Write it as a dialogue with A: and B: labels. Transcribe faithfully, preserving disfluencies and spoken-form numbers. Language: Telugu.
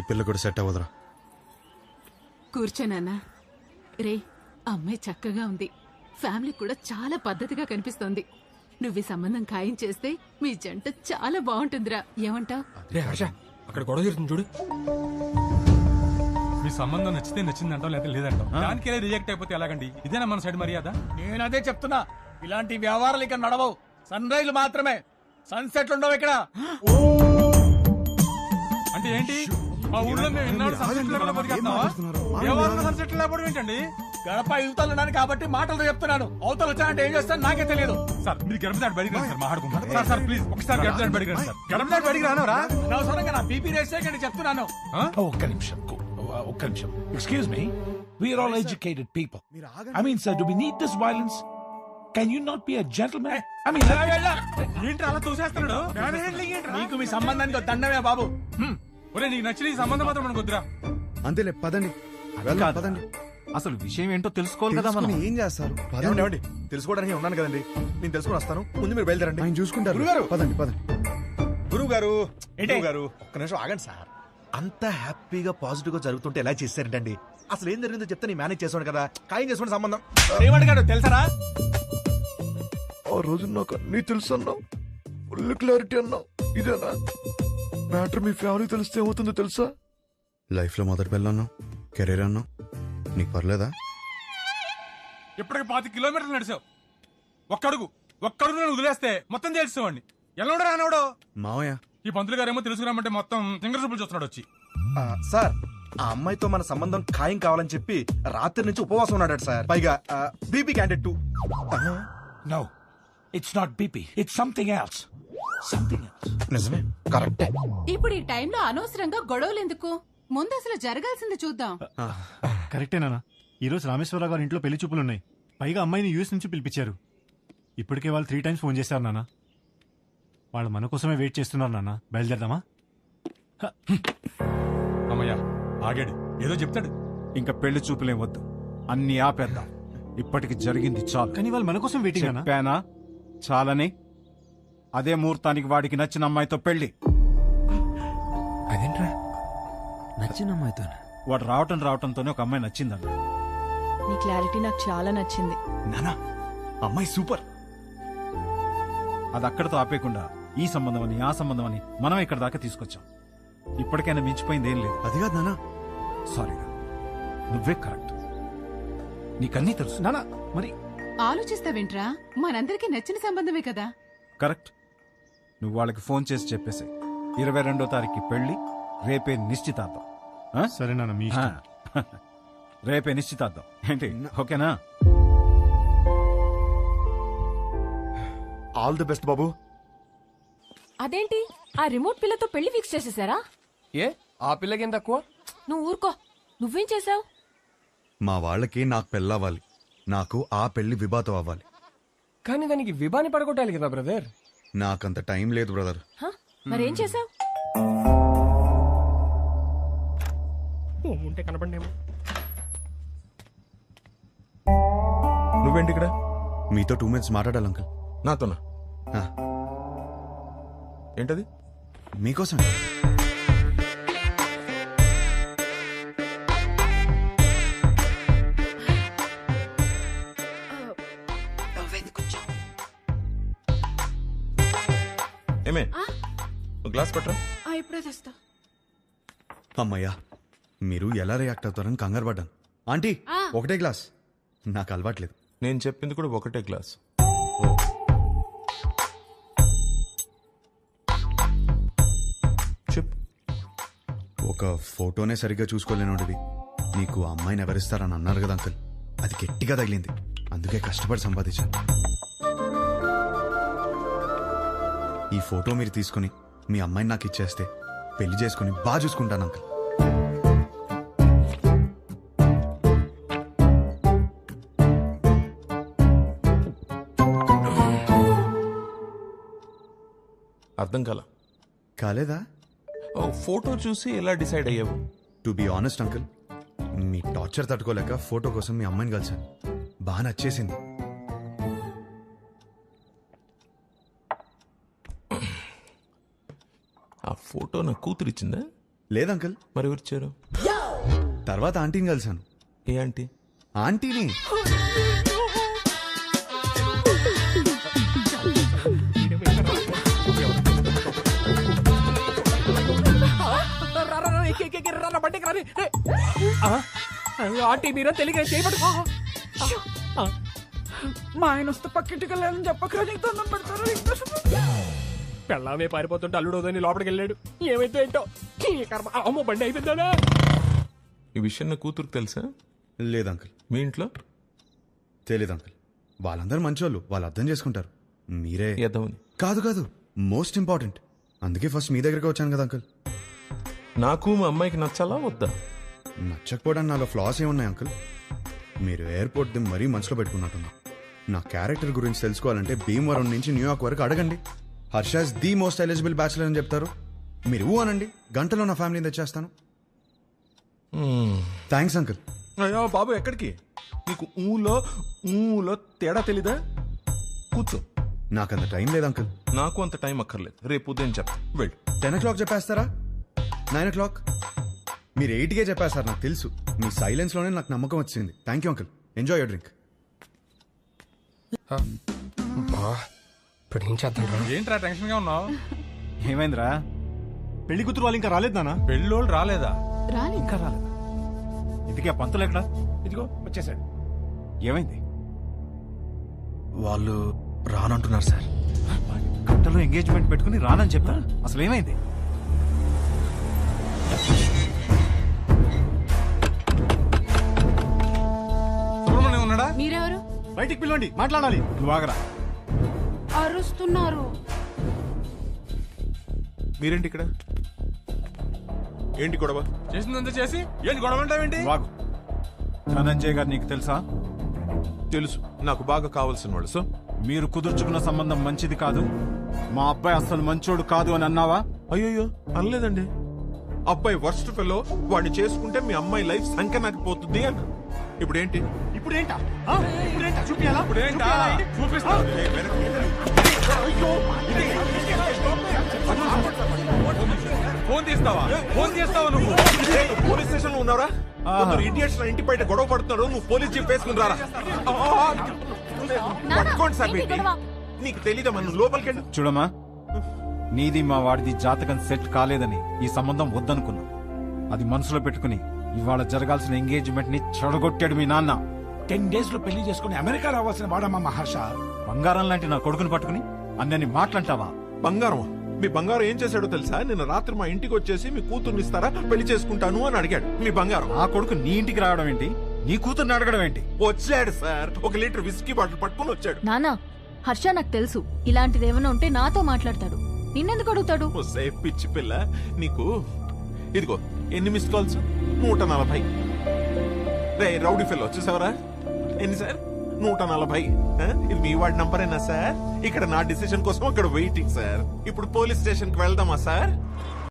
A: పిల్ల కూడా సెట్ అవ్వదురా.
B: కూర్చోనన్నా. రే, అమ్మాయి చక్కగా ఉంది, ఫ్యామిలీ కూడా చాలా పద్ధతిగా కనిపిస్తోంది. నువ్వు ఈ సంబంధం ఖాయం చేస్తే మీ జంట చాలా బాగుంటుందిరా. ఏమంటావ్?
C: అక్కడ గొడవ జరుగుతుంది చూడు. మీ సంబంధం నచ్చితే నచ్చిందంటాం, లేదా లేదంటాం. దానికి రిజెక్ట్ అయిపోతే ఎలాగండి? ఇదేనా మన సైడ్ మర్యాద?
D: నేను అదే చెప్తున్నా, ఇలాంటి వ్యవహారాలు ఇక్కడ నడవవు. సన్ రైజ్ మాత్రమే, సన్సెట్లు ఉండవు ఇక్కడ.
C: అంటే ఏంటి? మా ఊళ్ళో మేము ఎన్నాళ్ళు సన్సెట్ లేకుండా బతికేస్తున్నావా? వ్యవహారంలో సన్సెట్ లేకపోవడం ఏంటండి?
D: గడప యువతలున్నాను కాబట్టి మాటలు చెప్తున్నాను. అవతలు వచ్చానంటే ఏం చేస్తాను నాకే తెలియదు.
C: సార్ మీరు గడప దాటి బడికి రండి సార్, మాట్లాడుకుంటారు. సార్ సార్ ప్లీజ్ ఒకసారి గడప దాటి బడికి రండి సార్. గడప దాటి బడికి రానవరా?
D: అనవసరంగా నా బీపీ రేస్ చేయకండి చెప్తున్నాను.
E: ఒక్క నిమిషం ఒక్క నిమిషం excuse me, we're all educated people. I mean sir, do we need this violence? Can you not be a gentleman? I mean
C: ఏంటి అలా చూసేస్తున్నాడు?
D: నీకు మీ సంబంధానికి ఒక దండమే బాబు.
C: ఒరే నీకు నచ్చిన ఈ సంబంధం మాత్రం మనకు వద్దురా.
A: అంతేలే, పదండి పదండి.
F: అసలు విషయం ఏంటో తెలుసుకోవాలి కదా మనం.
A: ఏం చేస్తారు?
G: పదండి. తెలుసుకోవడానికి ఉన్నాను కదండి, నేను తెలుసుకుని వస్తాను. ముందు మీరు బయలుదేరండి.
A: ఆయన చూసుకుంటారు.
G: గురుగారు,
A: పదండి పదండి.
G: గురువు గారు గురువు గారు ఒక్క నిమిషం ఆగండి సార్. అంత హ్యాపీగా పాజిటివ్ గా జరుగుతుంటే ఎలా చేశారంటండి? అసలు ఏం జరిగిందో చెప్తే నేను మేనేజ్ చేసాను కదా. ఖాయం చేసుకోండి సంబంధం.
D: ఏమడిగాడు తెలుసరా?
G: ఆ రోజు నాకు అన్నీ తెలుసు అన్నావు, ఫుల్ క్లారిటీ అన్నావు. ఇదేనా మ్యాటర్? మీ ఫ్యామిలీ తెలిస్తే ఏమవుతుందో తెలుసా?
A: లైఫ్ లో మొదటి పిల్ల అన్నావు, కెరీర్ అన్నావు, నీకు పర్లేదా?
C: ఇప్పటికి పాతి కిలోమీటర్లు నడిచావు. ఒక్కడుగు ఒక్కడుగు నేను వదిలేస్తే మొత్తం తెలుసుకోండి. ఎలా రానవడో
A: మావయ్య.
C: ఈ పంతులు గారేమో తెలుసుకురామంటే మొత్తం సింగర్ సూపులు చూస్తున్నాడు వచ్చి.
G: సార్, ఆ అమ్మాయితో మన సంబంధం ఖాయం కావాలని చెప్పి రాత్రి నుంచి ఉపవాసం ఉన్నాడు సార్. పైగా BP candidate too.
E: No, it's not BP, it's something else. Something else.
G: నిజమే, కరెక్టే.
B: ఇప్పుడు ఈ టైంలో అనవసరంగా గొడవలు ఎందుకు? ముందు అసలు జరగాల్సింది చూద్దాం.
H: కరెక్టేనా? ఈ రోజు రామేశ్వరరావు గారి ఇంట్లో పెళ్లి చూపులున్నాయి. పైగా అమ్మాయిని యూఎస్ నుంచి పిలిపించారు. ఇప్పటికే వాళ్ళు త్రీ టైమ్స్ ఫోన్ చేశారు నాన్న. వాళ్ళు మన కోసమే వెయిట్ చేస్తున్నారు నాన్న. బయలుదేరదామా?
C: అమ్మయ్యా ఆగాడు, ఏదో చెప్తాడు.
F: ఇంకా పెళ్లి చూపులేం వద్దు, అన్ని ఆపేద్దాం. ఇప్పటికి జరిగింది చాలు.
H: కానీ వాళ్ళు మన కోసం వెయిటింగ్ అన్నా.
F: చెప్పానా చాలని? అదే ముహూర్తానికి వాడికి నచ్చిన అమ్మాయితో పెళ్లి.
I: అదేంట్రా నచ్చిన అమ్మాయితో?
F: వాడు రావటం రావటంతోనే ఒక అమ్మాయి నచ్చిందన్న.
J: నీ క్లారిటీ నాకు చాలా నచ్చింది
G: నానా. అమ్మాయి సూపర్.
F: అది అక్కడితో ఆపేయకుండా ఈ సంబంధం అని ఆ సంబంధం అని మనం ఇక్కడ దాకా తీసుకొచ్చాం. ఇప్పటికైనా మించిపోయింది ఏం లేదు.
A: అది కాదు నానా.
F: సారీరా, నువ్వే కరెక్ట్. నీకన్నీ తెలుసు
H: నానా. మరి
B: ఆలోచిస్తావేంట్రా? మనందరికీ నచ్చిన సంబంధమే కదా.
F: కరెక్ట్. నువ్వు వాళ్ళకి ఫోన్ చేసి చెప్పేసి ఇరవై రెండో తారీఖు పెళ్లి, రేపే నిశ్చితార్థం.
H: సరే నాన్న, మీ ఇష్టం.
F: రేపే నిశ్చితార్థం ఏంటి? ఓకేనా?
G: ఆల్ ది బెస్ట్ బాబు.
J: అదేంటి ఆ రిమోట్ పిల్లతో పెళ్లి ఫిక్స్ చేసేసారా?
D: ఏ ఆ పిల్లకేం తక్కువ?
J: నువ్వు ఊరుకో. నువ్వేం చేసావు?
A: మా వాళ్ళకి నాకు పెళ్ళవ్వాలి, నాకు ఆ పెళ్లి విభాతం అవ్వాలి.
D: కానీ దానికి విభాని పడగొట్టాలి కదా బ్రదర్.
A: నాకంత టైం లేదు బ్రదర్.
J: మరేం చేసావు?
D: ఉంటే కనపడేమో.
G: నువ్వేంటి ఇక్కడ?
A: మీతో టూ మినిట్స్ మాట్లాడాలి అంకుల్.
G: నాతోనా? ఏంటది?
A: మీకోసం.
G: ఏమే గ్లాస్ పట్టరా.
B: ఇప్పుడే తెస్తా.
A: అమ్మయ్యా, మీరు ఎలా రియాక్ట్ అవుతారని కంగారు పడ్డాను. ఆంటీ, ఒకటే గ్లాస్. నాకు అలవాట్లేదు.
G: నేను చెప్పింది కూడా ఒకటే గ్లాస్. చెప్పు.
A: ఒక ఫోటోనే సరిగ్గా చూసుకోలేనోడివి నీకు అమ్మాయిని ఎవరిస్తారని అన్నారు కదా అంకుల్. అది గట్టిగా తగిలింది, అందుకే కష్టపడి సంపాదించాను. ఈ ఫోటో మీరు తీసుకుని మీ అమ్మాయిని నాకు ఇచ్చేస్తే పెళ్లి చేసుకుని బాగా చూసుకుంటాను అంకుల్.
G: అర్థం కాల.
A: కాలేదా?
G: ఫోటో చూసి ఎలా డిసైడ్ అయ్యావు?
A: టు బి ఆనెస్ట్ అంకుల్, మీ టార్చర్ తట్టుకోలేక ఫోటో కోసం మీ అమ్మాయిని కలిసాను. బాగా నచ్చేసింది.
G: ఆ ఫోటో నా కూతురు ఇచ్చిందా?
A: లేదు అంకుల్.
K: మరి ఎవరు ఇచ్చారు?
A: తర్వాత ఆంటీని కలిశాను.
K: ఏ ఆంటీ?
A: ఆంటీని.
D: ఆంటీ మీరే తెలియక చేయబడు. మా ఆయన వస్తే పక్కింటికి వెళ్ళాలని చెప్పకరా నీకు దండం పెడతారు. పెళ్ళామే పారిపోతుంటే అల్లుడోదని లోపలికి వెళ్ళాడు. ఏమైతే ఏంటో ఈ కర్మ. అమ్మో బండి అయిపోయిందా?
K: ఈ విషయం నా కూతురుకు తెలుసా?
A: లేదు అంకుల్.
K: మీ ఇంట్లో
A: తెలీదు అంకుల్. వాళ్ళందరూ మంచోళ్ళు, వాళ్ళు అర్థం చేసుకుంటారు. మీరే
K: ఎదవని.
A: కాదు కాదు, మోస్ట్ ఇంపార్టెంట్. అందుకే ఫస్ట్ మీ దగ్గరికి వచ్చాను కదా అంకుల్.
K: నాకు మా అమ్మాయికి నచ్చాలా వద్దా?
A: నచ్చకపోవడానికి నాలో ఫ్లాస్ ఏమున్నాయి అంకుల్? మీరు ఎయిర్పోర్ట్ ది మరీ మనసులో పెట్టుకున్నట్టున్నా. నా క్యారెక్టర్ గురించి తెలుసుకోవాలంటే భీమవరం నుంచి న్యూయార్క్ వరకు అడగండి. Harsha's the most eligible bachelor అని చెప్తారు. మీరు ఊ అనండి, గంటలో నా ఫ్యామిలీని తెచ్చేస్తాను. Thanks uncle.
K: అయ్యో బాబు ఎక్కడికి? నీకు ఊలో ఊలో తేడా తెలీదా? కూర్చో.
A: నాకంత టైం లేదు అంకుల్.
K: నాకు అంత టైం అక్కర్లేదు. రేపు ఉదయం చెప్తా. వెళ్ళు.
A: టెన్ ఓ క్లాక్ చెప్పేస్తారా? Nine o'clock? మీరు ఎయిట్కే చెప్పేస్తారు, నాకు తెలుసు. మీ సైలెన్స్ లోనే నాకు నమ్మకం వచ్చింది. Thank you uncle. Enjoy your drink.
D: ఇప్పుడు ఏం చేద్దాం?
C: ఏంట్రా టెన్షన్ గా ఉన్నావు?
H: ఏమైందిరా? పెళ్లి కూతురు వాళ్ళు ఇంకా రాలేదు నాన్న.
C: పెళ్ళోళ్ళు రాలేదా?
B: రాలేదు.
H: ఇంకా రాలేదా? ఇంతకీ ఆ పంతులు ఎక్కడా?
D: ఇదిగో వచ్చేసాడు.
H: ఏమైంది?
G: వాళ్ళు రానంటున్నారు సార్.
H: గంటలో ఎంగేజ్మెంట్ పెట్టుకుని రానని చెప్తా. అసలు ఏమైంది?
C: సుబ్రహ్మణ్యం ఉన్నాడా?
B: మీరెవరు?
H: బయటికి పిలవండి, మాట్లాడాలి. నువ్వు ఆగరా.
B: అరుస్తున్నారు.
K: మీరేంటి ఇక్కడ? ఏంటి గొడవ?
C: చేసిందంతా చేసి ఏంటి గొడవ అంటావేంటి?
H: వాగు. ధనంజయ్ గారు నీకు తెలుసా?
K: తెలుసు, నాకు బాగా కావాల్సిన వాళ్ళు. సో
H: మీరు కుదుర్చుకున్న సంబంధం మంచిది కాదు, మా అబ్బాయి అసలు మంచోడు కాదు అని అన్నావా?
K: అయ్యో అనలేదండి. అబ్బాయి వర్స్ట్ ఫెలో, వాడిని చేసుకుంటే మీ అమ్మాయి లైఫ్ సంఖ్య నాకు పోతుంది అన్న. ఇప్పుడు ఏంటి?
H: ఇప్పుడు ఏంటా? ఇప్పుడు ఏంటా? చూపియాలా?
C: ఇప్పుడు ఏంటా? చూపిస్తా. ఫోన్ తీస్తావా? ఫోన్ చేస్తావా నువ్వు?
K: పోలీస్ స్టేషన్ లో ఉన్నారా? ఇడియట్స్ నా ఇంటి బయట గొడవ పడుతున్నారు. నువ్వు పోలీస్ జీప్ వేసుకుని రారా. పట్టుకోండి సార్. పెట్టి నీకు తెలీదా? మనం లోపలికి వెళ్ళి
F: చూడమ్మా, నీది మా వాడిది జాతకం సెట్ కాలేదని ఈ సంబంధం వద్దనుకున్నా. అది మనసులో పెట్టుకుని ఇవాళ జరగాల్సిన ఎంగేజ్మెంట్ ని చెడగొట్టాడు మీ నాన్న.
E: టెన్ డేస్ లో పెళ్లి చేసుకుని అమెరికా రావాల్సిన వాడమ్మా మహర్ష.
F: బంగారం లాంటి నా కొడుకుని పట్టుకుని అన్నని మాట్లాంటావా?
K: బంగారం? మీ బంగారం ఏం చేశాడో తెలుసా? నిన్న రాత్రి మా ఇంటికి వచ్చేసి మీ కూతుర్ని ఇస్తారా, పెళ్లి చేసుకుంటాను అని అడిగాడు. మీ బంగారం.
F: ఆ కొడుకు నీ ఇంటికి రావడం ఏంటి? నీ కూతుర్ని అడగడం ఏంటి?
K: వచ్చాడు సార్, ఒక లీటర్ విస్కీ బాటిల్ పట్టుకుని వచ్చాడు.
J: నానా, హర్ష నాకు తెలుసు ఇలాంటిది ఏమైనా ఉంటే నాతో మాట్లాడతాడు. నిన్నెందుకు అడుగుతాడు?
K: వస్తే పిచ్చి పిల్ల నీకు. ఇదిగో ఎన్ని మిస్ కాల్స్? నూట నలభై. రే రౌడీ ఫెల్లో వచ్చేసావరా? ఎన్ని సార్? నూట నలభై. ఇది మీ వాడి నంబరేనా సార్? ఇక్కడ నా డిసిషన్ కోసం అక్కడ వెయిటింగ్ సార్. ఇప్పుడు పోలీస్ స్టేషన్ కి వెళ్దామా సార్?